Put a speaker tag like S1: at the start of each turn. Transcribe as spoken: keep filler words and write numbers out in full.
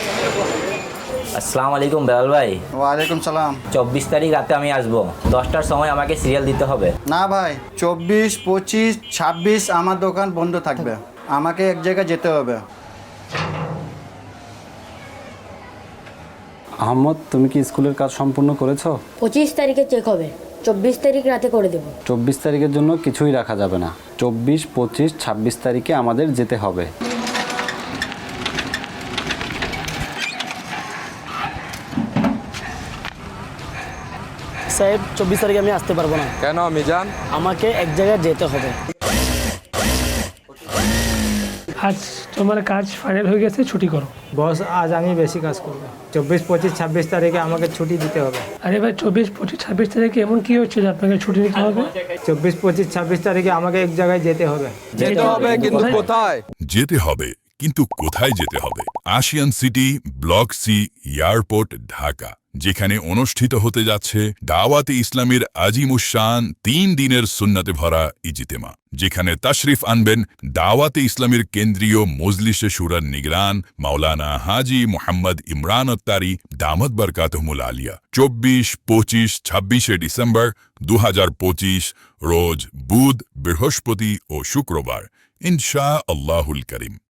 S1: আসসালামু আলাইকুম বেলাল ভাই।
S2: ওয়ালাইকুম সালাম।
S1: চব্বিশ তারিখ রাতে আমি আসবো, দশটার সময় আমাকে সিরিয়াল দিতে হবে।
S2: না ভাই, চব্বিশ পঁচিশ ছাব্বিশ আমার দোকান বন্ধ থাকবে, আমাকে এক জায়গায় যেতে হবে।
S3: আহমদ, তুমি কি স্কুলের কাজ সম্পূর্ণ করেছো?
S4: পঁচিশ তারিখে চেক হবে, চব্বিশ তারিখ রাতে করে দেবো।
S3: চব্বিশ তারিখের জন্য কিছুই রাখা যাবে না। চব্বিশ পঁচিশ ছাব্বিশ তারিখে আমাদের যেতে হবে।
S5: সাহেব, চব্বিশ তারিখে আমি আসতে পারবো না।
S6: কেন মিজান?
S5: আমাকে এক জায়গায় যেতে হবে।
S7: আজ তোমার কাজ ফাইনাল হয়ে গেছে, ছুটি করো।
S8: বস, আজ আমি বেশি কাজ করব। চব্বিশ পঁচিশ ছাব্বিশ তারিখে আমাকে ছুটি দিতে হবে।
S7: আরে ভাই, চব্বিশ পঁচিশ ছাব্বিশ তারিখে এমন কি হচ্ছে যে আপনাকে ছুটি নিতে হবে?
S8: চব্বিশ পঁচিশ ছাব্বিশ তারিখে আমাকে এক জায়গায় যেতে হবে।
S6: যেতে হবে, কিন্তু কোথায়?
S9: যেতে হবে, কিন্তু কোথায় যেতে হবে? Ashiyan city block C, airport, Dhaka, যেখানে অনুষ্ঠিত হতে যাচ্ছে দাওয়াতে ইসলামের আজিমুশান তিন দিনের সুন্নাতে ভরা ইজিতেমা, যেখানে তাশরিফ আনবেন দাওয়াতে ইসলামের কেন্দ্রীয় মজলিসে শুরার নিগরান মাওলানা হাজি মোহাম্মদ ইমরান আত্তারি দামত বরকাতুহুল আলিয়া। চব্বিশ পঁচিশ ছাব্বিশে ডিসেম্বর দু হাজার পঁচিশ রোজ বুধ, বৃহস্পতি ও শুক্রবার, ইনশা আল্লাহুল করিম।